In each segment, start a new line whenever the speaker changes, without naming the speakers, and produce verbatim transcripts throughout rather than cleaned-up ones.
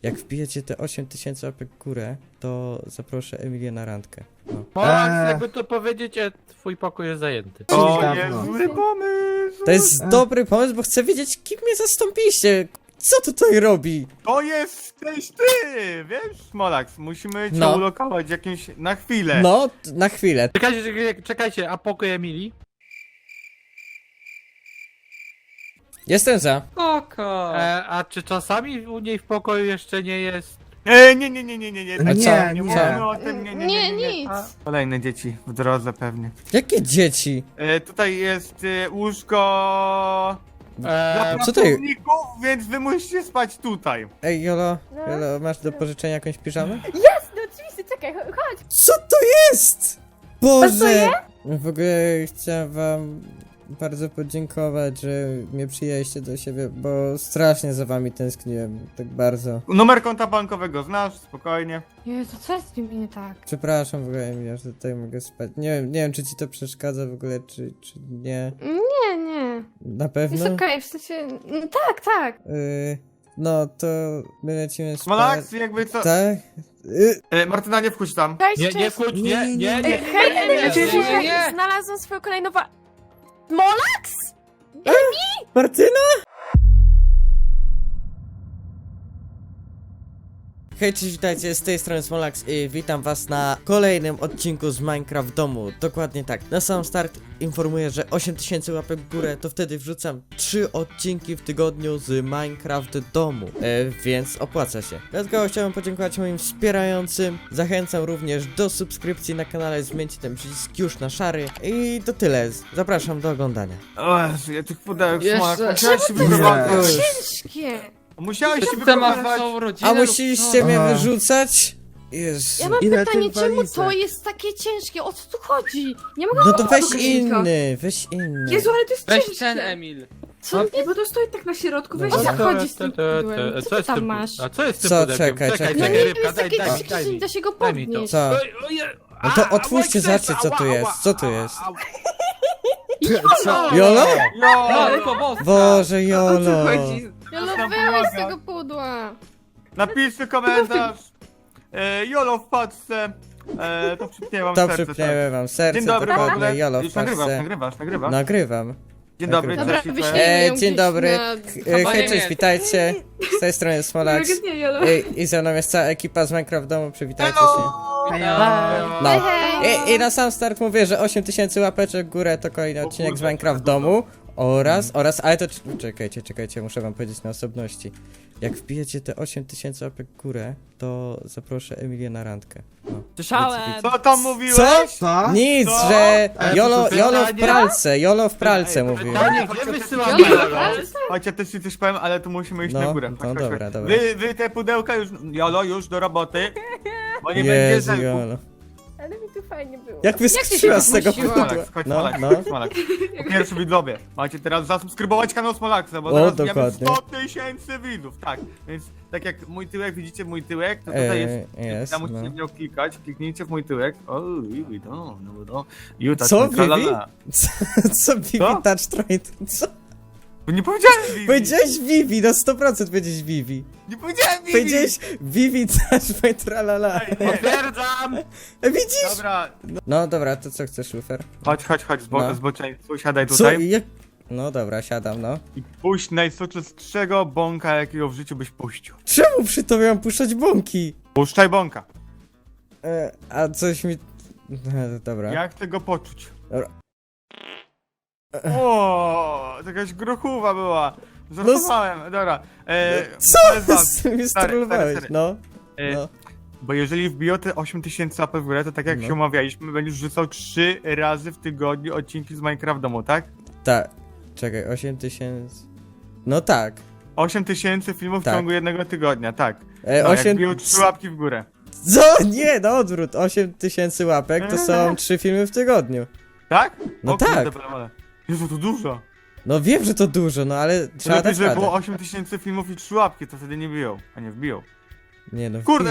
Jak wbijecie te osiem tysięcy łapek w górę, to zaproszę Emilię na randkę. No.
Max,
Eee.
jakby to powiedzieć, e, twój pokój jest zajęty.
O,
Dawno.
jest zły pomysł!
To jest dobry pomysł, bo chcę wiedzieć, kim mnie zastąpiliście. Co tutaj robi?
To jesteś ty! Wiesz, Smolax, musimy cię
No.
ulokować jakimś na chwilę.
No, t- na chwilę.
Czekajcie, czekajcie, czekajcie, a pokój Emilii?
Jestem za.
Spoko.
E, a czy czasami u niej w pokoju jeszcze nie jest...
E, nie, nie, nie, nie, nie, nie.
A
nie,
co?
nie
Co?
mówimy o tym, nie, nie, nie, nie, nie.
nic.
Kolejne dzieci w drodze pewnie.
Jakie dzieci?
E, tutaj jest e, łóżko dla
E,
Co ty-
pracowników, więc wy musicie spać tutaj.
Ej, Jolo,
No.
Jolo, masz do pożyczenia jakąś piżamę?
Jasne, oczywiście, czekaj, cho- chodź.
Co to jest? Boże! W ogóle chciałem wam bardzo podziękować, że mnie przyjęliście do siebie, bo strasznie za wami tęskniłem, tak bardzo.
Numer konta bankowego znasz, spokojnie.
Jezu, co jest z nim nie tak?
Przepraszam w ogóle, Emilia, że tutaj mogę spać. Nie wiem, nie wiem, czy ci to przeszkadza w ogóle, czy, czy nie.
Nie, nie.
Na
Jest
pewno?
okej, w sensie... no tak, tak.
Y, no, to my lecimy spać.
Smolax, jakby co...
Tak? Y,
E, Martyna, nie wchodź tam.
Cześć,
nie, nie
cześć.
wchodź, nie,
Nie,
nie,
nie,
nie.
Ej, hej,
nie,
Emil,
nie,
cześć,
nie,
cześć,
nie.
znalazłam swoją kolejną wa... Molax?
Martyna? Hej, cześć, witajcie, z tej strony Smolax i witam was na kolejnym odcinku z Minecraft w domu. Dokładnie tak. Na sam start informuję, że osiem tysięcy łapek w górę, to wtedy wrzucam trzy odcinki w tygodniu z Minecraft w domu, e, więc opłaca się. Dlatego chciałbym podziękować moim wspierającym. Zachęcam również do subskrypcji na kanale, zmieńcie ten przycisk już na szary. I to tyle. Zapraszam do oglądania.
O Jezu, ja tych pudełek,
Jeszcze-
Smolax, musiałeś się
Czemu
wyprowadzać.
Ciężkie.
Musiałeś się
Ty masz
wyprowadzać.
całą rodzinę
A
lub
musieliście
co?
mnie
Aha.
wyrzucać? Jezu.
Ja mam
Ile
pytanie,
tych
czemu
walizek?
to jest takie ciężkie? O co tu chodzi? Nie mogę
No to weź
tego
inny, weź inny.
Jezu, ale to jest
Weź
ciężkie.
ten, Emil.
Co?
Nie, bo to stoi tak na środku, weź
O co
tak.
chodzi z tym
Te, te,
pudłem?
te,
Co
Co
ty
jest
tam
tym
masz?
A co jest tym
Co?
pudełkiem?
Czekaj,
czekaj,
czekaj.
No
czekaj,
nie,
rybka,
jest
daj,
takie
daj,
ciężkie,
daj
że nie
mi.
da się go
Daj mi to.
podnieść.
Co?
Oj, oj,
No to
a,
otwórzcie,
ała,
zobaczcie, co tu
ała,
jest.
ała,
Co tu
ała,
jest?
ała.
Co?
Jolo?
No,
Matko boska.
Boże,
O
Jolo.
co chodzi?
Jolo,
Tam
wyłeś z
pomaga.
tego pudła.
napiszcie komentarz. E, Jolo w paczce. E, to przypnie wam
To
serce.
przypniemy wam serce,
Dzień dobry, w
dokładnie,
ogóle.
Jolo w
Już nagrywasz,
paczce.
nagrywasz, nagrywasz.
Nagrywam.
Dzień dobry,
Dobra,
cześć.
wyślijmy
E,
ją
dzień
gdzieś
dobry.
na-
E,
Chyba
Hej,
nie
cześć,
wiem.
witajcie. Z tej strony jest Smolax.
Nie, nie, Jolo.
I, I ze mną jest cała ekipa z Minecraft w domu, przywitajcie się.
Hello.
No.
Hej.
I, I na sam start mówię, że osiem tysięcy łapeczek w górę to kolejny
O
odcinek z
kurde,
Minecraft w
czego
domu. Oraz, oraz, ale to czekajcie, czekajcie, muszę wam powiedzieć na osobności. Jak wbijecie te osiem tysięcy łapek w górę, to zaproszę Emilię na randkę. No.
Słyszałem.
Co tam mówiłeś?
Co?
Co?
Nic,
Co?
że
Ale
Jolo,
to
Jolo w
pytanie?
pralce, Jolo w pralce
Ej,
mówił.
Pytanie, gdzie wysyłamy
Jolo,
Jolo?
ale-
Chodź, ja też ci coś powiem, ale tu musimy iść
No,
na górę.
no
Chodź, chodź,
dobra,
chodź.
dobra.
Wy, wy te pudełka już, Jolo, już do roboty. Bo nie będzie
Jezu,
zelków.
Jolo.
Ale mi tu fajnie było.
Jak wyskoczyła z tego
podnosiła?
pudła.
Smolax, chodź,
No,
Smolax,
no.
chodź, Smolax. Po pierwsze widzowie, macie teraz zasubskrybować kanał Smolaxa, bo
O,
zaraz mamy
dokładnie.
sto tysięcy widzów, tak. Więc tak jak mój tyłek, widzicie mój tyłek, to tutaj
Eee,
jest,
jest,
tam musicie
no.
w nią klikać, kliknijcie w mój tyłek. O, Vivi, no, no, no. Juta,
Co,
tralala.
Vivi? Co, co Vivi
Co?
Touch Train? Co?
Nie powiedziałem Vivi!
Powiedziałeś Vivi, na sto procent powiedziałeś Vivi.
Nie powiedziałem Vivi!
Powiedziałeś Vivi Touch Train, tralala.
Ej, nie.
Potwierdzam!
E, Widzisz?
Dobra,
No dobra, to co chcesz, Lufer?
chodź, chodź, chodź, zbo
No.
zboczeńcu, siadaj
Co?
tutaj.
Jak? No dobra, siadam, no.
I puść najsoczystszego bąka, jakiego w życiu byś puścił.
Czemu przy tobie mam puszczać bąki?
Puszczaj bąka.
E, a coś mi... E, dobra.
Ja chcę go poczuć.
Dobra.
O, to jakaś grochuwa była. Żartowałem, dobra. E,
Co?
ale ważne.
Z mi
Stary, stary,
strolowałeś,
stary.
no.
E,
No.
Bo jeżeli wbiją te osiem tysięcy łapek w górę, to tak jak
No.
się umawialiśmy, będziesz rzucał trzy razy w tygodniu odcinki z Minecraft domu, tak?
Tak. Czekaj, osiem tysięcy... No tak.
osiem tysięcy filmów
Tak.
w ciągu jednego tygodnia, tak.
E,
No, jak
osiem...
wbiją trzy łapki w górę.
Co? Nie, no odwrót. osiem tysięcy łapek to są trzy filmy w tygodniu.
Tak?
No
o, kurde,
tak.
brawo. Jezu, to dużo.
No wiem, że to dużo, no ale trzeba
Lepiej,
dać
żeby
radę.
było osiem tysięcy filmów i trzy łapki, to wtedy nie biją, a nie wbiją.
Nie no,
Kurde!
wbijam.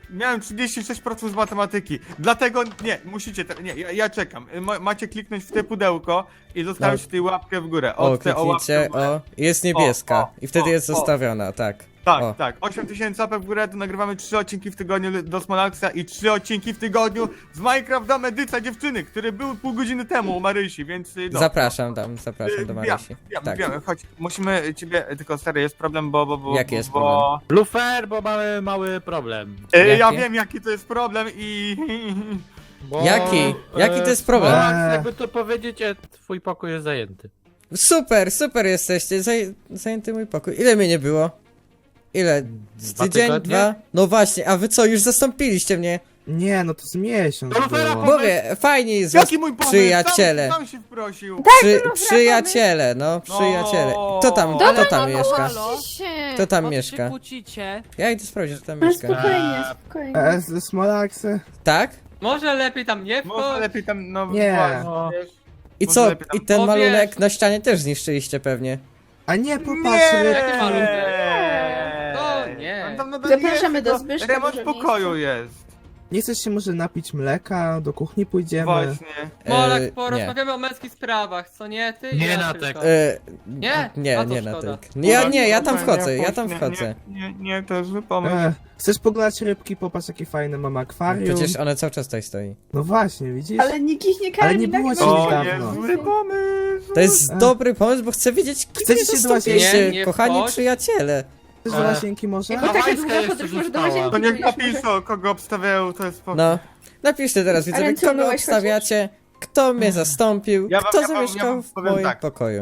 miałem trzydzieści sześć procent z matematyki. Dlatego nie, musicie, te, nie, ja, ja czekam. Ma, macie kliknąć w te pudełko i zostawić
No.
tutaj łapkę w górę.
O,
Od te o łapkę
kliknijcie,
w górę.
o, jest niebieska.
O, o,
I wtedy
o,
jest
o.
zostawiona, tak.
Tak,
O.
tak. osiem tysięcy łapek w górę, to nagrywamy trzy odcinki w tygodniu do Smolaxa i trzy odcinki w tygodniu z Minecraft Dom Edycja Dziewczyny, który był pół godziny temu u Marysi, więc y, no.
Zapraszam tam, zapraszam do Marysi.
Wiem,
Tak.
wiem, chodź, musimy ciebie, tylko stary, jest problem, bo... bo, bo
Jaki jest
bo,
Lufer, bo mamy mały problem.
E, ja
Jaki?
wiem, jaki to jest problem i...
Bo,
Jaki? Jaki to jest problem?
Smolax, jakby to powiedzieć, e, twój pokój jest zajęty.
Super, super jesteście, Zaj zajęty mój pokój. Ile mnie nie było? Ile? Z
Dwa
tydzień?
tygodnie?
Dwa? No właśnie, a wy co, już zastąpiliście mnie?
Nie, no to z miesiąc
To Lufera
było.
po-
Mówię, fajnie jest was,
Jaki mój pomysł?
przyjaciele.
Sam, sam się wprosił.
Przy, przyjaciele, no, przyjaciele. Kto tam,
Dobra,
kto tam
no,
mieszka?
halo. się.
Kto tam
Po co
mieszka?
się kłócicie?
Ja idę sprawdzić, kto tam
Ale
mieszka.
spokojnie, spokojnie.
E, z Smolaxy?
Tak?
Może lepiej tam nie
Może
wchodź.
lepiej tam, no...
Nie.
właśnie, wiesz.
I
Może
co?
lepiej tam-
I ten
O,
malunek
wiesz.
na ścianie też zniszczyliście pewnie.
A nie, popatrz,
Nie!
nie.
Jaki malunek? O, nie.
On tam nadal
Zapraszamy
jest,
do
tylko
Zbyszka,
Remont
dużo
pokoju jest.
nie chcesz się może napić mleka, do kuchni pójdziemy?
Właśnie.
Molak,
E, nie.
porozmawiamy o męskich sprawach, co nie? Ty i
Nie
ja
na
tylko.
tak.
E,
Nie?
nie,
A to
nie na
szkoda.
tak. Ja, nie, ja tam
Nie,
wchodzę,
nie,
ja tam
nie,
wchodzę.
Nie, nie, nie, to jest zły pomysł.
E, chcesz poglądać rybki? Popatrz, jakie fajne mam akwarium.
Przecież one cały czas tutaj stoi.
No właśnie, widzisz?
Ale nikt ich nie karmi.
Ale nie
tak
było
no.
ci
To
niedawno.
jest zły pomysł.
To jest
E.
dobry pomysł, bo chcę wiedzieć, kiedy
Chcecie się do
zastąpiliście,
łazienki? Nie, nie
kochani
wchodź.
przyjaciele.
Chcesz do
E.
łazienki może?
Jako taka
Hawajska
długa
jeszcze
podróż może do
została.
łazienki.
To niech
pójdziesz może.
napiszą, kogo obstawiają, to jest spoko.
No. Napiszcie teraz, widzowie,
ręce
kogo
umyłeś
obstawiacie, kto mnie zastąpił,
Ja wam-
kto
ja wam- ja
zamieszkał
wam
w
powiem
moim
tak.
pokoju.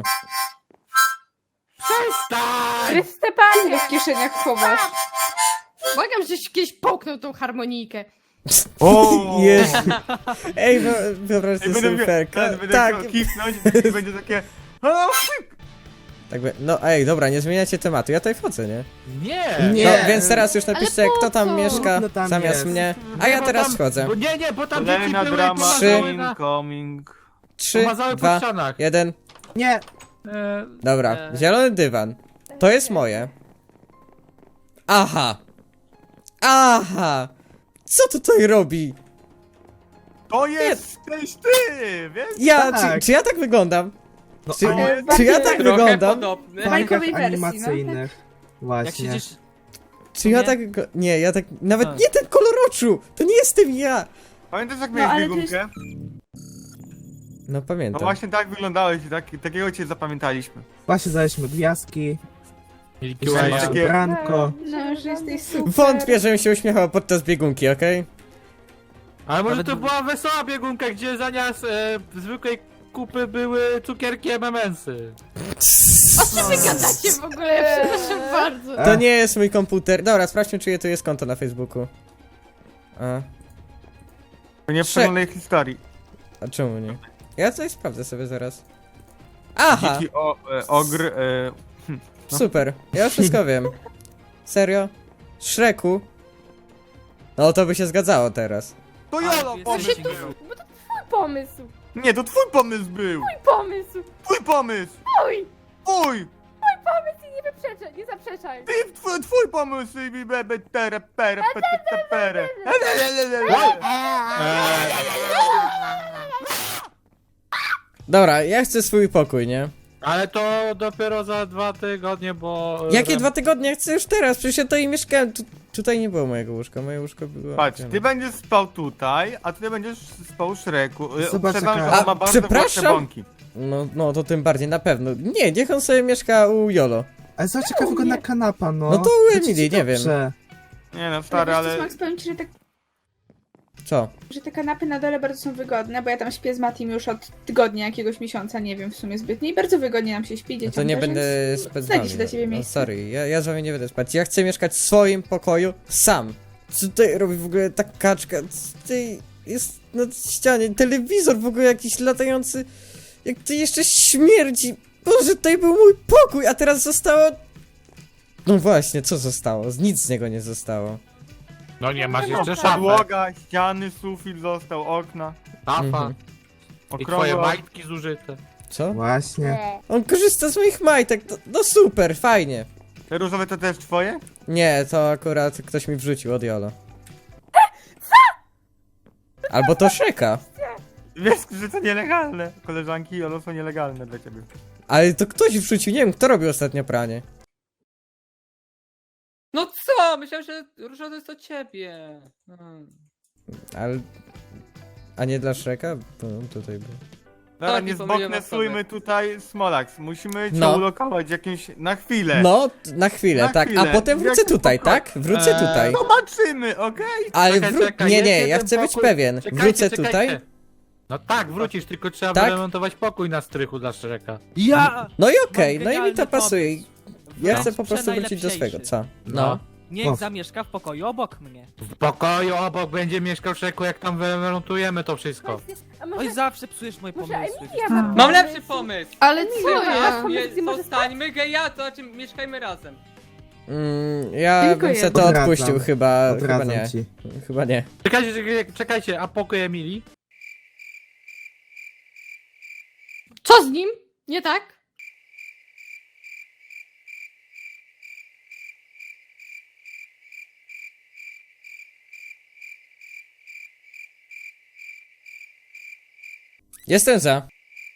Chryste Panie w kieszeniach chowasz.
Błagam, żeś kiedyś połknął tą harmonijkę.
O!
Jezu. Ej, no, wyobraź sobie
Będę,
surferka.
będę, będę
Tak,
chciał kichnąć i będzie takie... O,
tak, by- no ej, dobra, nie zmieniajcie tematu, ja tutaj wchodzę, nie?
Nie!
Nie.
No, więc teraz już napiszcie,
Ale po
kto tam
co?
mieszka
No tam
zamiast
jest.
mnie, a
Nie,
ja
bo
teraz
tam-
wchodzę.
Bo nie, nie, bo tam dzieci
Kolejna
były i
drama
pomazały na...
incoming.
Trzy,
Pomazały po
dwa,
ścianach.
jeden.
Nie,
E,
Dobra,
E.
zielony dywan. To jest moje. Aha. Aha. Co tutaj robi?
To jesteś ty, wiesz?
Ja,
Tak.
czy, czy ja tak wyglądam?
no
Czy,
ale
czy ja tak
Trochę
wyglądam?
podobny.
w
bajkowej
bajkach
wersji, no.
animacyjnych.
Jak
Właśnie.
siedzisz...
Czy ja
Nie?
tak... go- Nie, ja tak... Nawet
A.
nie ten kolor oczu! To nie jestem ja!
Pamiętasz jak
No,
miałeś
ale to jest-
biegunkę?
No
No
pamiętam.
właśnie tak wyglądałeś i tak, takiego cię zapamiętaliśmy.
Właśnie daliśmy gwiazdki,
Milky
jeszcze
Way.
masz
Takie-
branko.
No, że jesteś super.
Wątpię, żebym się uśmiechał podczas biegunki, okej?
Ale może
Nawet-
to była wesoła biegunka, gdzie zamiast e, zwykłej kupy były cukierki M and M'sy.
O czym wy gadacie w ogóle? Przepraszam bardzo.
To nie jest mój komputer. Dobra, sprawdźmy, czyje tu jest konto na Facebooku. A,
To nie w
Prze-
przeglądnej historii.
a czemu nie? Ja coś sprawdzę sobie zaraz. Aha!
Dziki o, e, ogr, e, no.
Super, ja wszystko wiem. Serio? Shreku? No to by się zgadzało teraz.
To
A,
Jolo
jesteś
pomysł
dziki.
był.
Bo to twój pomysł.
Nie, to twój pomysł był.
Twój pomysł.
Twój pomysł.
Twój.
Twój.
Pomysł i nie wyprzeczaj, nie zaprzeczaj.
Ty, twój, twój pomysł i bebe tere pere pere pere.
Dobra, ja chcę swój pokój, nie?
Ale to dopiero za dwa tygodnie, bo... e,
Jakie
Rem-
dwa tygodnie? Ja chcę już teraz, przecież ja tutaj mieszkałem. Tu, tutaj nie było mojego łóżka, moje łóżko było...
Patrz, ty będziesz spał tutaj, a ty będziesz spał w Szreku. E,
Zobacz,
uprzedzam,
jaka-
że on
A,
ma bardzo
przepraszam?
głośne bąki.
No, no to tym bardziej, na pewno. Nie, niech on sobie mieszka u Jolo.
Ale zobacz jaka wygodna kanapa, no.
No to u
Będzie ci
Emily, nie wiem.
dobrze.
Nie no, stary,
Ale...
ale...
Max, powiem ci, że, tak,
Co?
że te kanapy na dole bardzo są wygodne, bo ja tam śpię z Matim już od tygodnia, jakiegoś miesiąca, nie wiem w sumie zbytnie i bardzo wygodnie nam się śpi,
No
dzieciom
to nie
też,
będę
więc
spać z
znajdzie
wami.
się dla ciebie
No,
miejsce.
sorry, ja, ja z wami nie będę spać. Ja chcę mieszkać w swoim pokoju sam. Co tutaj robi w ogóle ta kaczka? Co tutaj jest na ścianie? Telewizor w ogóle jakiś latający. Jak to jeszcze śmierdzi. Boże, tutaj był mój pokój, a teraz zostało... No właśnie, co zostało? Z nic z niego nie zostało.
No nie, masz
No,
jeszcze szafę.
podłoga, ściany, sufit został, okna.
Szafa.
Mhm.
I twoje
Okrągła.
majtki zużyte.
Co?
Właśnie.
On korzysta z moich majtek, to, no super, fajnie.
Te różowe to też twoje?
Nie, to akurat ktoś mi wrzucił od Jolo. Albo to Shreka.
Wiesz, że to nielegalne. Koleżanki Jolo są nielegalne dla ciebie.
Ale to ktoś wrzucił, nie wiem, kto robił ostatnio pranie.
No co? Myślałem, że Róża to jest do ciebie. Hmm.
Ale... A nie dla Shreka? Bo on tutaj był.
Dobra,
Tak,
nie
i pomyliłem
zboknesujmy
osobę.
tutaj Smolax. Musimy cię
No.
ulokować jakimś... na chwilę.
No, t- na chwilę,
Na
tak.
chwilę.
A potem
W
wrócę
jakim
tutaj,
pokoju?
tak? Wrócę
Eee,
tutaj.
Zobaczymy, okej?
Ale
Czekaj,
wró...
czekaj,
Nie,
jest
nie, ja
jeden
chcę być
pokój.
pewien.
Czekajcie,
Wrócę
czekajcie.
tutaj.
No tak, wrócisz, tylko trzeba
Tak?
wyremontować pokój na strychu dla Shreka.
Ja!
No i okej,
Mam
no i mi to
genialny
pasuje.
pomysł.
Ja
No.
chcę po prostu wrócić do swego, co? No.
Niech
O.
zamieszka w pokoju obok mnie.
W pokoju obok będzie mieszkał Shreku, jak tam wyremontujemy to wszystko.
A
Oj,
może,
zawsze psujesz moje
może
pomysły.
Emilia ma
Mam lepszy pomysł.
Ale co
Ja,
ja?
je, zostańmy geja, to znaczy mieszkajmy razem.
Mm, ja
Tylko
bym se
jedno.
to
Odradzam.
odpuścił chyba, chyba
Odradzam
nie.
ci.
Chyba nie.
Czekajcie, czekajcie, czekajcie, a pokój Emilii?
Co z nim? Nie tak?
Jestem za.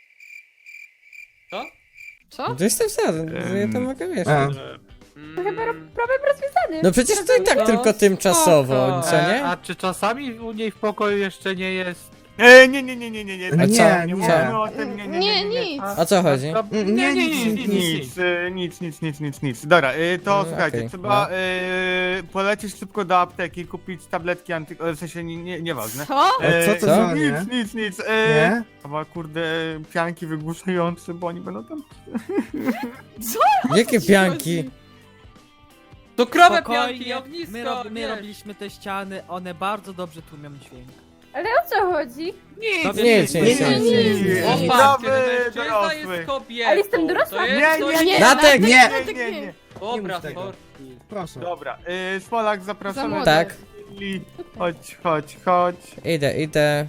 Co?
Co?
To jestem za, ja to mogę
A,
mieszkać.
Mm,
Chyba problem rozwiązany.
No przecież to i tak
No,
tylko tymczasowo,
spoko.
co nie?
E, a czy czasami u niej w pokoju jeszcze nie jest...
E, nie, nie, nie, nie, nie, nie.
A
tak
co?
nie
Nie,
mówimy o tym, nie, nie, nie,
Nie,
nie.
nic.
O co chodzi?
No,
Nie,
nie, nie,
nic,
nic,
nic,
nic, nic.
Nic, e, nic, nic, nic, nic, nic. Dobra, e, to
No,
słuchajcie,
okej,
trzeba
no.
e, polecieć szybko do apteki, kupić tabletki anty... e, w sensie, nie, nie, nieważne.
Co?
E,
co to
co?
za nie?
Nic, nic, nic. E,
Nie?
Chyba kurde, pianki wygłuszające, bo oni będą tam...
Jakie pianki?
To krowe
Spokojnie,
pianki, ognisko,
my, rob, my
wiesz.
robiliśmy te ściany, one bardzo dobrze tłumią dźwięk.
Ale o co chodzi?
Nic,
Dobrze,
Nic,
nie,
nic,
nie,
nic,
nie,
nic, nic,
O,
nic.
patrzcie,
Zdrowy
mężczyzna
dorosły.
jest kobietą.
Ale jestem dorosła.
To jest
Nie,
coś-
nie, nie.
Natek!
Nie!
Nie, nie, nie.
Dobra,
mów tego.
sorki.
Proszę.
Dobra, e, Smolak,
Za
zapraszamy.
młode.
Tak.
Lili. Chodź, chodź, chodź.
Idę, idę.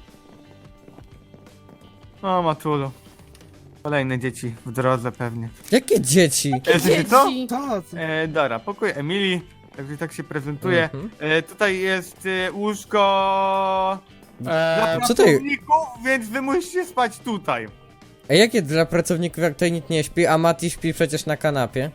O, Matulu. Kolejne dzieci w drodze pewnie.
Jakie dzieci?
E, wiecie co?
Dzieci.
Co? co?
E, dobra, pokój Emilii. Także tak się prezentuje.
Mhm.
E, tutaj jest e, łóżko dla
E,
co to jest?
pracowników, więc wy musicie spać tutaj.
A jakie dla pracowników, jak tutaj nikt nie śpi, a Mati śpi przecież na kanapie?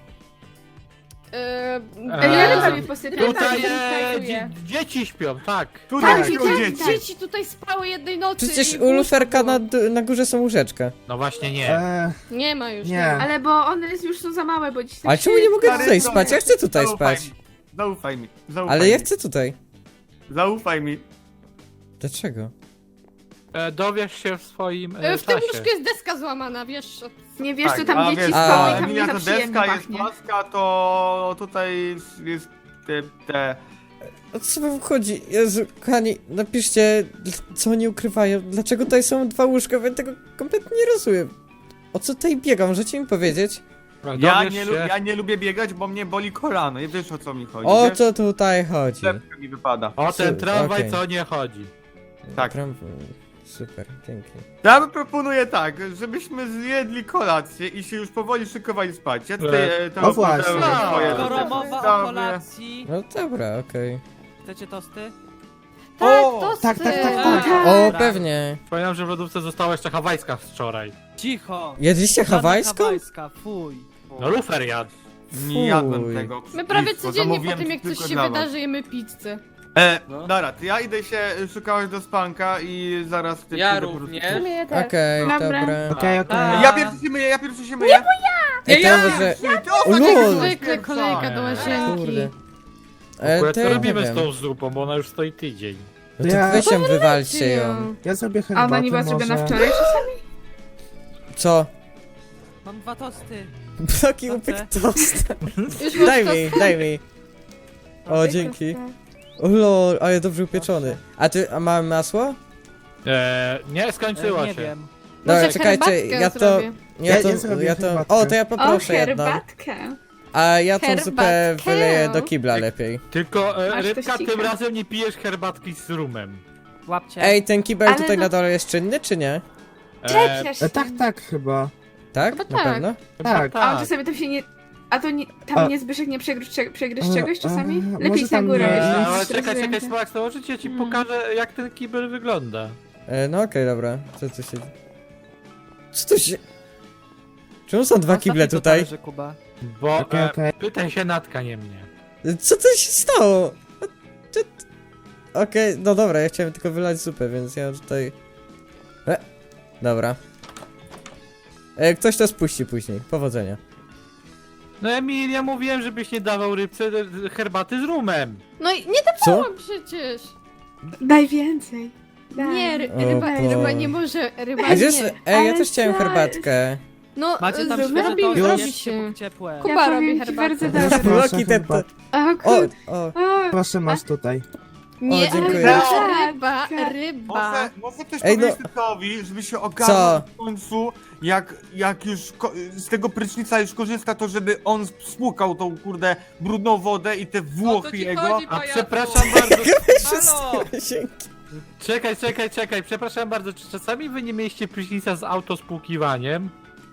Yy,
Eee,
Ja
ja
sobie posypię.
tutaj e,
tak,
dzie dzieci śpią, tak.
Tutaj
tak,
śpią
tak,
dzieci.
dzieci tutaj spały jednej nocy.
Przecież
i
u luferka
łóżko
na,
było.
d- na górze są łóżeczka.
No właśnie nie.
E,
Nie ma już.
Nie.
Ale bo one już są za małe, bo dziś
Ale czemu nie mogę
Stary,
tutaj
to-
spać? Ja chcę tutaj
zaufaj
spać.
Mi. Zaufaj mi. Zaufaj
Ale
mi.
ja chcę tutaj.
Zaufaj mi.
Dlaczego?
E, dowiesz się w swoim
Yy,
e,
W tym
czasie.
łóżku jest deska złamana, wiesz? o-
Nie wiesz,
Tak,
co tam
a
dzieci
wiesz,
spały
a
i tam
Emilia
nie
to
za przyjemnie
deska, jest
pachnie.
maska, to tutaj jest, jest te, te...
O co wam chodzi? Jezu, kochani, napiszcie, dl- co oni ukrywają. Dlaczego tutaj są dwa łóżka? Ja tego kompletnie nie rozumiem. O co tutaj biegam? Możecie mi powiedzieć?
Ja
Dowiesz
nie,
się...
lu- ja nie lubię biegać, bo mnie boli kolano. Nie wiesz, o co mi chodzi.
O
wiesz?
co tutaj chodzi?
Lepka mi wypada.
O ten
Su-
tramwaj,
okej.
co nie chodzi.
Tak.
Pram- Super, dzięki.
Ja bym proponuję tak, żebyśmy zjedli kolację i się już powoli szykowali spać. Ja tutaj e, to
O właśnie.
opowiadam
No,
swoje
Skoro
rzeczy.
mowa o
Dobra.
kolacji,
No dobra, okej.
chcecie tosty?
Tak,
O,
tosty.
tak, tak, tak, tak.
O,
Dobra.
pewnie.
Pamiętam, że w lodówce została jeszcze hawajska z wczoraj.
Cicho!
Jedliście
Żadna
hawajską?
hawajska, fuj.
No lufer jadł.
Nie jadłem
Fuj.
tego.
My prawie
blisko,
codziennie po
zamówiłem
tym, jak
tylko
coś się
dla was.
wydarzy, jemy pizzę.
E,
No.
dobra, to ja idę się szukać do spanka i zaraz ty
Ja
przyjdę po prostu.
również.
W sumie ja też.
Okej,
Dobra.
dobra.
Okej,
A.
okej.
Ja pierwszy się myję, ja pierwszy się myję.
Ej,
ja!
to może...
Ty, ty
O,
ostatnio
lol.
byłeś
Zwykle
pierwsza.
kolejka do łazienki.
Kurde. E,
Akurat
to
co
ja nie
robimy z
wiem.
tą zupą, bo ona już stoi tydzień.
No to
Ja-
weź ją, wywalcie ją.
Ja zrobię
A
herbatę
ona nie była zrobiona
może.
wczoraj czasami?
Co?
Mam dwa tosty.
Taki
Co
upyk
chcę?
tost.
Już masz
Daj
to
mi, daj mi. O, dzięki. O lol, ale dobrze upieczony. A ty, a mamy masło?
E, nie,
E,
skończyło
nie
się.
wiem.
Dobra,
Może
czekajcie,
herbatkę
ja to...
zrobię.
Ja
Ja-
to,
ja zrobię
ja to...
herbatkę.
O, to ja
O,
poproszę jedną.
herbatkę.
A ja tą zupę
Herbatkę.
wyleję do kibla lepiej.
Tylko e,
Masz
rybka,
tościka.
tym razem nie pijesz herbatki z rumem.
Łapcie.
Ej, ten kibel
Ale
tutaj
no-
na dole jest czynny, czy nie?
E,
Przecież.
E, tak, tak chyba.
Tak?
Chyba
Na
tak.
pewno?
chyba
Tak.
A on czasami tam się nie... A to nie, tam
A-
nie Zbyszek nie przegryź, cze- przegryź
A-
czegoś czasami?
a,
Lepiej
może
na
tam
górę.
nie-
jeśli
Ale
jest
czekaj, czekaj,
stresujące.
Smolax, to może ci
Mm.
pokażę, jak ten kibel wygląda.
E, no okej, dobra. Co tu się... Co tu się... Czemu są dwa kible tutaj?
Że Kuba.
Bo
Okej,
e,
okej.
pytaj się Natka, nie mnie.
Co to się stało? Co to- Okej, no dobra, ja chciałem tylko wylać zupę, więc ja tutaj... E, dobra. E, ktoś to spuści później. Powodzenia.
No Emil, ja mówiłem, żebyś nie dawał rybce e, herbaty z rumem.
No i nie
Co?
dawałam przecież.
Daj więcej. Daj.
Nie, ry-
O
ryba,
Boże.
ryba nie może, ryba
A gdzie jest...
nie.
Ej, ja
Ale
też chciałem
co?
herbatkę.
No,
Macie tam
z-
świeże
robi,
to
Już?
robi się.
ciepłe.
Kuba
Ja
robi
powiem ci
herbatę.
bardzo
Proszę,
dobrze.
proszę,
Loki, ten-
herbat-
O,
O,
kur...
o.
o,
Proszę, masz tutaj.
Nie,
dziękuję.
ryba,
Tak,
ryba,
tak.
ryba.
Może, może też
Ej, no-
powiedzieć Tytowi, żeby się ogarnął
Co?
w końcu, jak, jak już ko- z tego prysznica już korzysta, to żeby on spłukał tą kurde brudną wodę i te włochy
ci
jego.
chodzi?
A
Pajacu.
przepraszam bardzo.
Halo!
Dzięki.
Czekaj, czekaj, czekaj, przepraszam bardzo, czy czasami wy nie mieliście prysznica z autospłukiwaniem?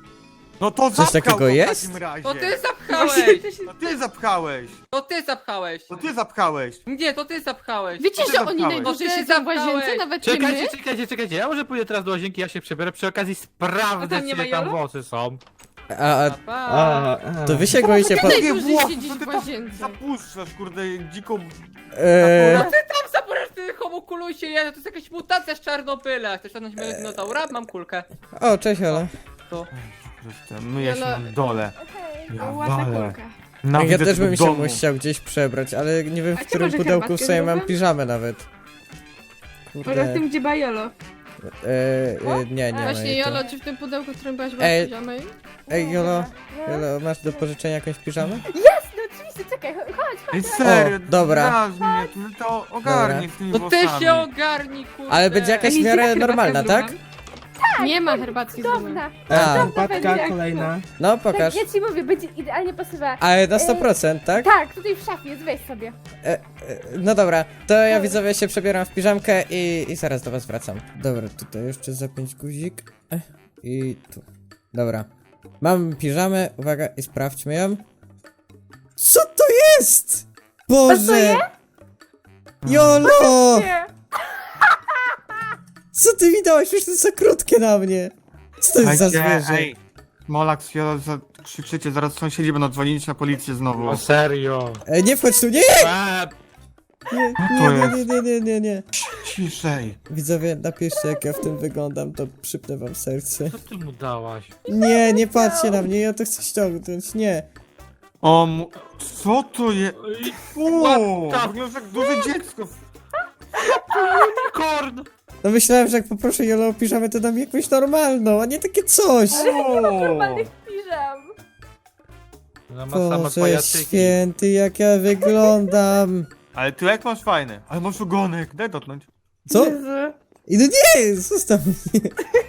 No to
Coś
zapchał
takiego
go w
jest?
takim razie.
To ty
Właśnie
zapchałeś!
to się...
To ty zapchałeś.
To ty zapchałeś!
To ty zapchałeś.
Nie, to ty zapchałeś!
Wiecie,
ty
że oni
zamknąłeś.
najdłużej
To ty
siedzą w łazience,
zamknąłeś.
nawet nie my?
Czekajcie, czekajcie, czekajcie, ja może pójdę teraz do łazienki, ja się przebiorę, przy okazji
A
sprawdzę,
tam nie ma
czy tam
Jolo?
włosy są.
A, a
Pa.
A, a.
to wy się goicie po...
Takie
najdłużej
włosy,
siedzieć
to ty
w
tam
łazience.
zapuszczasz, kurde, dziką...
Eee,
Tam zaporasz ty homokulusie, ja, to jest jakaś mutacja z Czarnobyla. Chcesz stanąć mojego dinozaura? Mam kulkę.
o, cześć Ola.
To.
Zresztą, myję się
Jolo-
na dole. Ja
Ładna
walę.
kulka.
Ja
Nawidzę
też
tego
bym się
domu.
musiał gdzieś przebrać, ale nie wiem
A
w
czy
którym
może
pudełku
herbatkę
sobie mam
zrobię?
piżamę nawet.
Może w
Kurde.
tym, gdzie Bajolo.
Eee, e, nie, nie ma
Właśnie,
jej tu.
Jolo, czy w tym pudełku, w którym byłaś
Ej.
w piżamej?
Ej, Jolo, Jolo, masz do pożyczenia jakąś piżamę?
Jasne, oczywiście, czekaj, chodź.
Ej, serio,
O, dobra.
drażni mnie, to, no to ogarnij z tymi
To ty
włosami.
się ogarnij, kurde.
Ale będzie jakaś w
Ej,
miarę
herbatka
normalna,
z
tak?
rumem?
Nie ma herbatki z rumem.
Cudowna.
A,
Herbatka kolejna.
no pokaż.
Tak, ja ci mówię, będzie idealnie pasowała.
Ale na sto procent, tak?
Tak, tutaj w szafie jest, weź sobie.
E, e, no dobra, to ja widzowie się przebieram w piżamkę i, i zaraz do was wracam. Dobra, tutaj jeszcze zapiąć guzik. E, I tu. Dobra. Mam piżamę, uwaga, i sprawdźmy ją. Co to jest? Boże! Jolo! Co ty mi dałeś? Przecież to jest za krótkie na mnie. Co to jest za
Słuchajcie,
zwierzę?
ej, Molak, Fiolo, za- krzyczycie, zaraz sąsiedzi będą dzwonić na policję znowu.
O serio.
E, nie wchodź tu, nie!
A,
Nie,
to
nie,
jest?
nie, nie, nie, nie, nie.
Ciszej.
Widzowie, napiszcie jak ja w tym wyglądam, to przypnę wam serce.
co ty mu dałaś?
Nie, nie patrzcie na mnie, ja to chcę ściągnąć, nie.
O, mu... co to jest? Uuu,
What the-
wyglądasz jak duże dziecko.
Korn!
No myślałem, że jak poproszę Jolo o piżamę, to dam mi jakąś normalną, a nie takie coś.
Uuu.
Piżam.
Ona ma same
Boże
pajacyki.
święty, jak ja wyglądam.
Ale ty jak masz fajny. Ale masz ogonek, daj dotknąć.
Co? I no nie, zostaw mnie.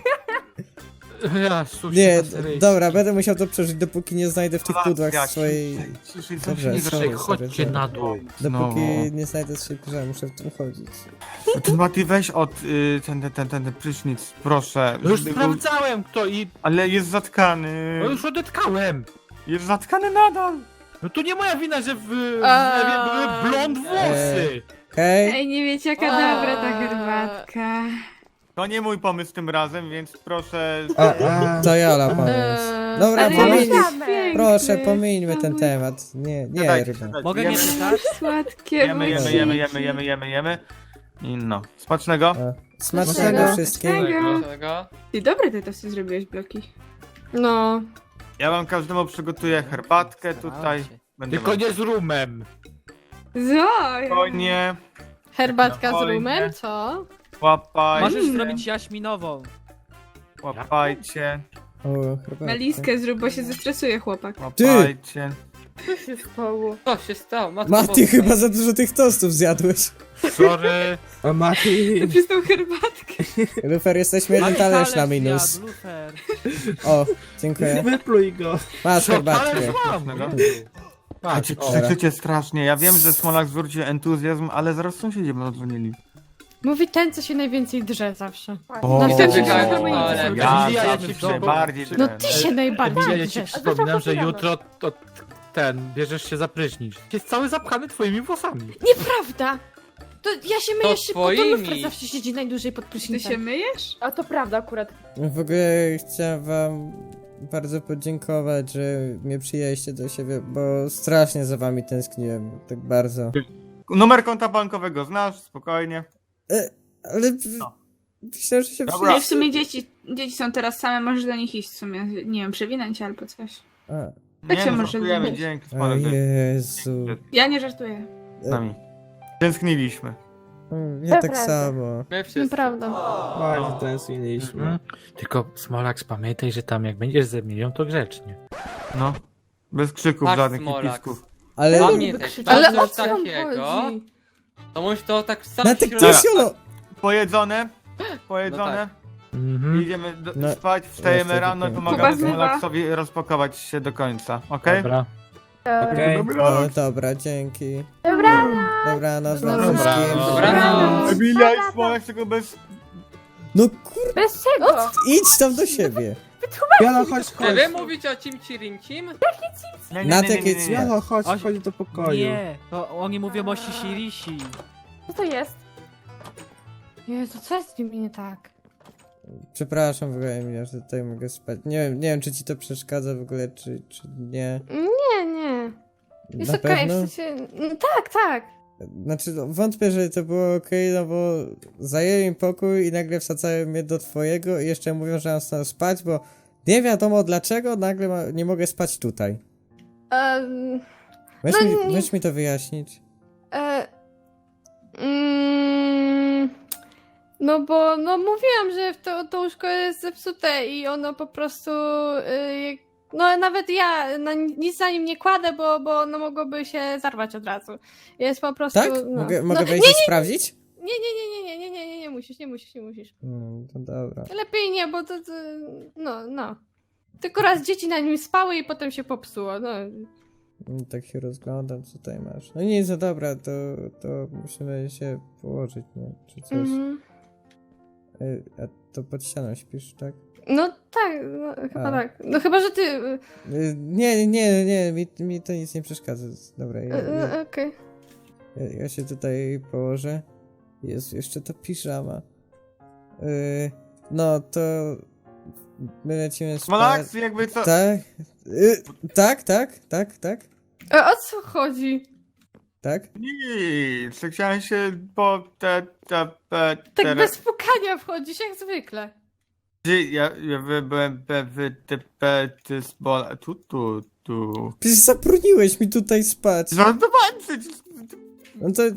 Ja, sushi
Nie,
na seryjski.
dobra, będę musiał to przeżyć, dopóki nie znajdę w tych
Relacja,
pudłach swojej...
ciszej, ciszej,
Dobrze,
sąsiedzi
sorry,
Proszę,
sorry,
chodźcie
sorry.
na dół.
Znowu.
Dopóki nie znajdę swojej piżamy, muszę w tym chodzić.
Ty Mati, weź od y, ten, ten, ten, ten, ten prysznic, proszę.
No już
żeby był-
sprawdzałem kto i...
Ale jest zatkany.
No już odetkałem.
Jest zatkany nadal.
No to nie moja wina, że w, w
A.
zlewie były blond włosy.
Hej,
Ej, nie wiecie jaka
A.
dobra ta herbatka.
To nie mój pomysł tym razem, więc proszę.
A, a.
to Jola pomysł.
Eee,
Dobra,
Ale
pomyśl...
jest
pomyśl-
piękny.
Proszę, pomińmy ten
Oj,
temat. Nie, nie,
Dajcie,
ryba.
dajcie.
Mogę
Jemy,
nie czytać?
Słodkie
Jemy, jemy,
buciki.
jemy, jemy, jemy, jemy, jemy. I no. Smacznego.
O, Smacznego
Smacznego.
wszystkim.
Smacznego.
Czego?
Ty dobre te tosty zrobiłeś, Bloki.
No.
Ja wam każdemu przygotuję herbatkę tutaj. Będę
Tylko nie z rumem.
Zo!
Spokojnie.
Herbatka z
Spokojnie.
rumem, co?
Łapajcie.
Możesz zrobić jaśminową.
Łapajcie.
O, herbatka.
Na listkę zrób, bo się zestresuje chłopak.
Łapajcie.
Co się stało?
Co się stało? Matko
Mati,
Boska.
chyba za dużo tych tostów zjadłeś.
Sorry.
O, Mati.
Przez tą herbatkę.
Lufer, jesteśmy jeden talerz na minus.
Zjadł, lufer.
O, dziękuję.
Wypluj go.
Masz
Co,
herbatkę.
talerz mam.
Smacznego.
Patrz,
Macie,
o.
krzyczycie strasznie. Ja wiem, że Smolak zwrócił entuzjazm, ale zaraz sąsiedzi będą dzwonili.
Mówi ten, co się najwięcej drze zawsze.
O,
No wtedy
czekaj,
się
ale-
ja
Emilia,
zawsze
jednym
się
słowem.
bardziej
No
ten.
ty się najbardziej
Emilia, ja ci
drzesz.
przypominam, że jutro to ten, bierzesz się za prysznic. Jest cały zapchany twoimi włosami.
Nieprawda! To ja się myję
To
szybko, to
twoimi.
Lufer zawsze siedzi najdłużej pod
Ty
prysznicem.
się myjesz?
A to prawda akurat.
W ogóle chciałem wam bardzo podziękować, że mnie przyjęliście do siebie, bo strasznie za wami tęskniłem, tak bardzo.
Numer konta bankowego znasz, spokojnie.
E, ale
No.
myślałem, że się
Dobra.
No i
przyjęliście.
w sumie dzieci, dzieci są teraz same, możesz do nich iść w sumie, nie wiem, przewinąć się albo coś.
A,
Tak
Nie,
się
no,
może
żartujemy,
lubić.
dzięki,
o
Smolak, że
Jezu.
Ja nie żartuję.
z nami. Tęskniliśmy.
Mm, Ja tak
Prawda.
samo.
My wszyscy.
Nieprawda.
Bardzo tęskniliśmy.
Mhm. Tylko Smolax, pamiętaj, że tam jak będziesz ze milion, to grzecznie.
No. Bez krzyków
Tak,
żadnych i
Smolak.
pisków.
Ale...
Pamiętaj,
Ale
ale
o
coś
co wam
takiego,
chodzi?
to musisz to tak sam
Na tak
środku-
to jest Jolo!
Pojedzone, pojedzone.
Mhm.
Idziemy do,
No,
spać, wstajemy
jeszcze
rano i
tylko-
pomagamy
Kuba zmywa.
Smolaksowi rozpakować się do końca, okej?
Dobra.
E,
Okej.
O, dobra, dzięki.
Dobranoc.
Dobranoc wam
Dobranoc.
wszystkim.
Dobranoc.
Emilia i Smolak tylko bez...
No kur...
Bez czego?
idź tam do siebie.
Jolo, chodź,
Czy
chodź.
wy mówicie o cimci rincim?
Nie,
Na takie ci-
Jolo, chodź,
Oś-
chodź do pokoju.
Nie, to oni mówią o Sisirisi.
Co to jest?
Jezu, co jest z nim nie tak?
Przepraszam w ogóle, Emilia, że tutaj mogę spać. Nie wiem, nie wiem, czy ci to przeszkadza w ogóle, czy, czy nie.
Nie, nie. Jest
Na
okej,
pewno?
w sensie... no tak, tak.
Znaczy, no, wątpię, że to było okej, no bo zajęli im pokój i nagle wsadzają mnie do twojego i jeszcze mówią, że mam stąd spać, bo nie wiadomo dlaczego nagle ma, nie mogę spać tutaj.
Um,
Weź,
No
mi,
nie-
weź mi to wyjaśnić.
e, mm, no bo, no mówiłam, że to, to łóżko jest zepsute i ono po prostu... Y, no nawet ja na, nic na nim nie kładę, bo, bo ono mogłoby się zarwać od razu. Jest po prostu...
Tak?
No,
Mogę,
no,
mogę
nie,
wejść i sprawdzić?
nie, nie, nie, nie, nie, nie, nie, nie musisz, nie musisz, nie musisz.
No, to dobra.
Lepiej nie, bo to, to no, no. Tylko raz dzieci na nim spały i potem się popsuło, no.
No, tak się rozglądam, co tutaj masz. No nic, no dobra, to, to musimy się położyć, nie? Czy coś.
Mhm.
Y, A to pod ścianą śpisz, tak?
No tak, no, chyba
A.
tak. No chyba, że ty... y,
Y, Nie, nie, nie, mi, mi to nic nie przeszkadza. Dobra, ja,
y,
ja,
y, Okej.
ja, ja się tutaj położę. Jest jeszcze ta piżama. Y, no to my lecimy spać.
Smolaks jakby co...
Tak, y, tak, tak, tak, tak,
A o co chodzi?
Tak?
tak.
Nic, chciałem się po te... te, te
Tak
teraz-
bez pukania wchodzisz, jak zwykle.
Ty, ja, ja wy, byłem pewny, ty, pe, ty, smola, tu, tu, tu.
Przecież zabroniłeś mi tutaj spać.
Żartowałem przecież.
No to...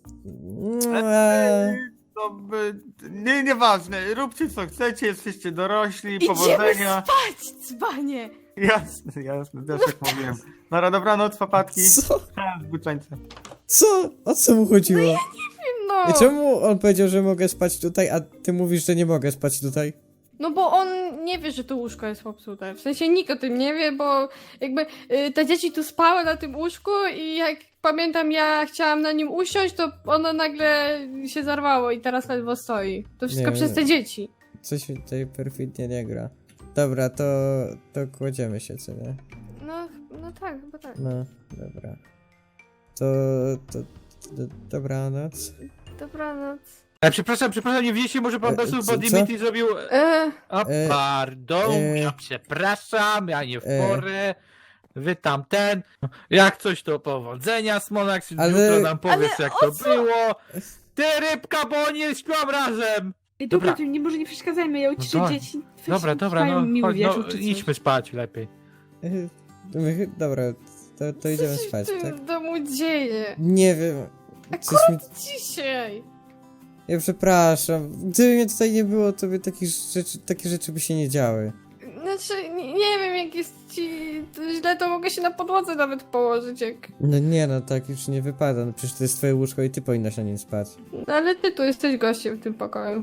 Eee,
To by... Nie, nieważne, róbcie co chcecie, jesteście dorośli,
Idziemy
powodzenia.
spać, dzbanie!
Jasne, jasne, też jak mówiłem. Dobra, dobranoc, papatki.
co?
Zbyczańce.
Co? O co mu chodziło?
No,
I czemu on powiedział, że mogę spać tutaj, a ty mówisz, że nie mogę spać tutaj?
no bo on nie wie, że to łóżko jest popsute. W sensie nikt o tym nie wie, bo jakby y, te dzieci tu spały na tym łóżku i jak pamiętam, ja chciałam na nim usiąść, to ono nagle się zarwało i teraz ledwo stoi. To wszystko
Nie,
przez
nie.
te dzieci.
Coś mi tutaj perfidnie nie gra. Dobra, to... to kładziemy się, co nie?
No, no tak, chyba tak.
No, dobra. To... to... to dobranoc.
Dobranoc.
E, przepraszam, przepraszam, nie widzieliście, może pan
E,
Besu,
co-
bo Dimitri zrobił...
E,
A,
E,
pardon,
e,
ja przepraszam, ja nie w
e.
porę. Wy tam ten. Jak coś to powodzenia, Smolax,
Ale-
jutro nam powiesz
Ale
jak
o
to
co?
było. Ty rybka, bo oni nie śpią razem.
I
Dobra.
dobra, nie, może nie przeszkadzajmy, ja uciszę
dobra.
dzieci. Weź,
Dobra, dobra,
mają
no,
miły
chodź,
wieczór,
no
czy coś.
idźmy spać lepiej.
Yy, my- Dobra, to, to idziemy
co się
spać,
w tym
tak?
domu dzieje?
Nie wiem. Coś mi...
Dzisiaj.
Ja przepraszam. Gdyby mnie tutaj nie było, to by takich rzeczy, takie rzeczy by się nie działy.
Znaczy, nie, nie wiem, jak jest ci to źle, to mogę się na podłodze nawet położyć, jak...
No nie no, tak już nie wypada. No przecież to jest twoje łóżko i ty powinnaś na nim spać.
No, ale ty tu jesteś gościem w tym pokoju.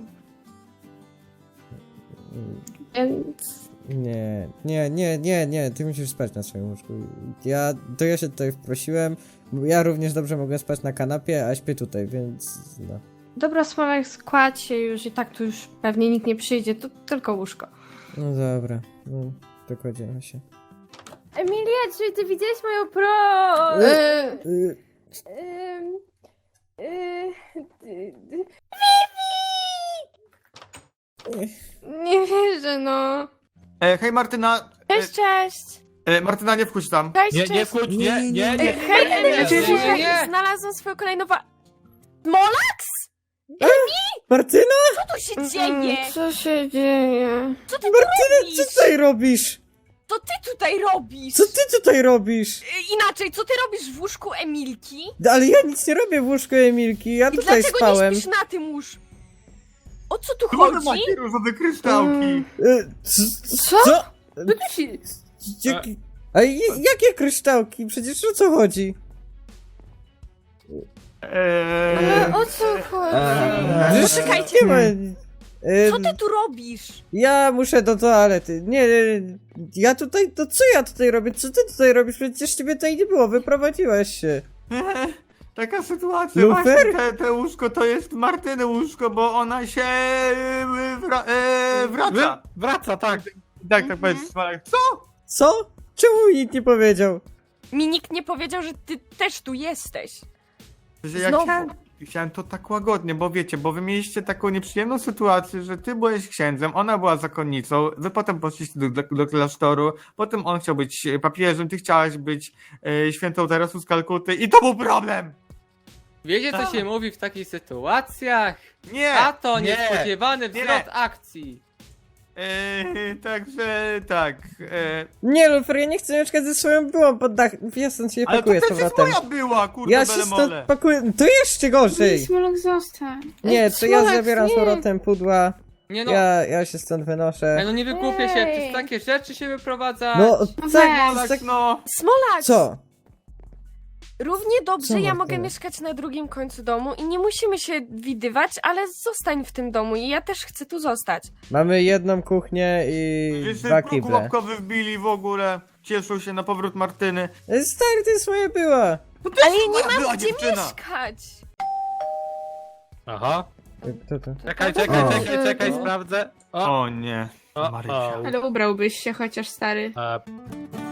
Mm,
Więc...
Nie, nie, nie, nie, nie, ty musisz spać na swoim łóżku. Ja, to ja się tutaj wprosiłem. Ja również dobrze mogę spać na kanapie, a śpię tutaj, więc no.
Dobra, Smolek, składź się już i tak tu już pewnie nikt nie przyjdzie, to tylko łóżko.
No dobra, no, to kładziemy się.
Emilia, czy ty widziałeś moją pro...
E,
Y,
Ym, y, y, y.
nie wierzę, no.
E, hej Martyna.
Cześć, cześć!
E, e, Martyna, nie wchodź tam.
Cześć,
Nie, nie
cześć!
wchodź, nie, nie, nie.
Ej, hej,
nie, nie,
Emi,
nie, nie, nie.
znalazłam swoją kolejną wa... Molaks?
Martyna?
Co tu się dzieje?
Co się dzieje?
Co ty tu
Martyna,
robisz?
co tutaj robisz?
Co ty tutaj robisz?
Co ty tutaj robisz?
Y, Inaczej, co ty robisz w łóżku Emilki?
No, ale ja nic nie robię w łóżku Emilki, ja
I
tutaj
dlaczego
spałem.
nie śpisz na tym łóżku? O co tu
Tu mamy
chodzi?
takie różowe kryształki.
Mm.
Y, c-
Co?
Co?
Co tu się...
Jaki- A j- jakie kryształki? Przecież o co chodzi?
Eee,
Ale o co chodzi?
Eee.
Przecież
Poczekajcie.
nie ma... y,
Co ty tu robisz?
Ja muszę do toalety. Nie, nie, ja tutaj, to co ja tutaj robię? Co ty tutaj robisz? Przecież ciebie tutaj nie było, wyprowadziłaś się.
Taka sytuacja,
Lufer?
właśnie te, te łóżko to jest Martyny łóżko, bo ona się e, wra, e, wraca.
Wraca, tak.
Tak,
Mhm.
tak powiedz, Smalek. Co?
Co? Czemu mi nikt nie powiedział?
Mi nikt nie powiedział, że ty też tu jesteś.
Że ja
Znowu.
chciałem, chciałem to tak łagodnie, bo wiecie, bo wy mieliście taką nieprzyjemną sytuację, że ty byłeś księdzem, ona była zakonnicą, wy potem poszliście do, do, do klasztoru, potem on chciał być papieżem, ty chciałaś być e, świętą Teresą z Kalkuty i to był problem!
Wiecie, co
Tak.
się mówi w takich sytuacjach?
Nie!
A to
nie.
niespodziewany
Nie.
wzrost akcji.
E, także tak. E,
Nie, Lufer, ja nie chcę mieszkać ze swoją byłą pod dach. Ja stąd się
ale to
pakuję z
też jest
powrotem.
moja była, kurde,
Ja się
bele
stąd
mole.
pakuję. To jeszcze gorzej.
Smolok, zostań.
Nie, to ja
Smolak,
zabieram z
nie.
powrotem pudła.
Nie no,
Ja, ja się stąd
Ej,
wynoszę.
no nie wygłupię się,
Ej.
przez takie rzeczy się wyprowadza.
No,
weź.
tak, tak.
No,
Smolak!
Co?
Równie dobrze
Co,
ja
Martyna?
mogę mieszkać na drugim końcu domu i nie musimy się widywać, ale zostań w tym domu i ja też chcę tu zostać.
Mamy jedną kuchnię i
wiesz,
dwa
próg
kible.
łapkowy wbili w ogóle. Cieszą się na powrót Martyny.
Stary, to jest moja była.
Ale ja nie
moja
mam
była
gdzie
dziewczyna.
mieszkać!
Aha.
Kto to?
Czekaj, czekaj,
O.
czekaj, czekaj, sprawdzę. O,
O nie.
o,
Marysia.
o.
Ale ubrałbyś się chociaż, stary.
E,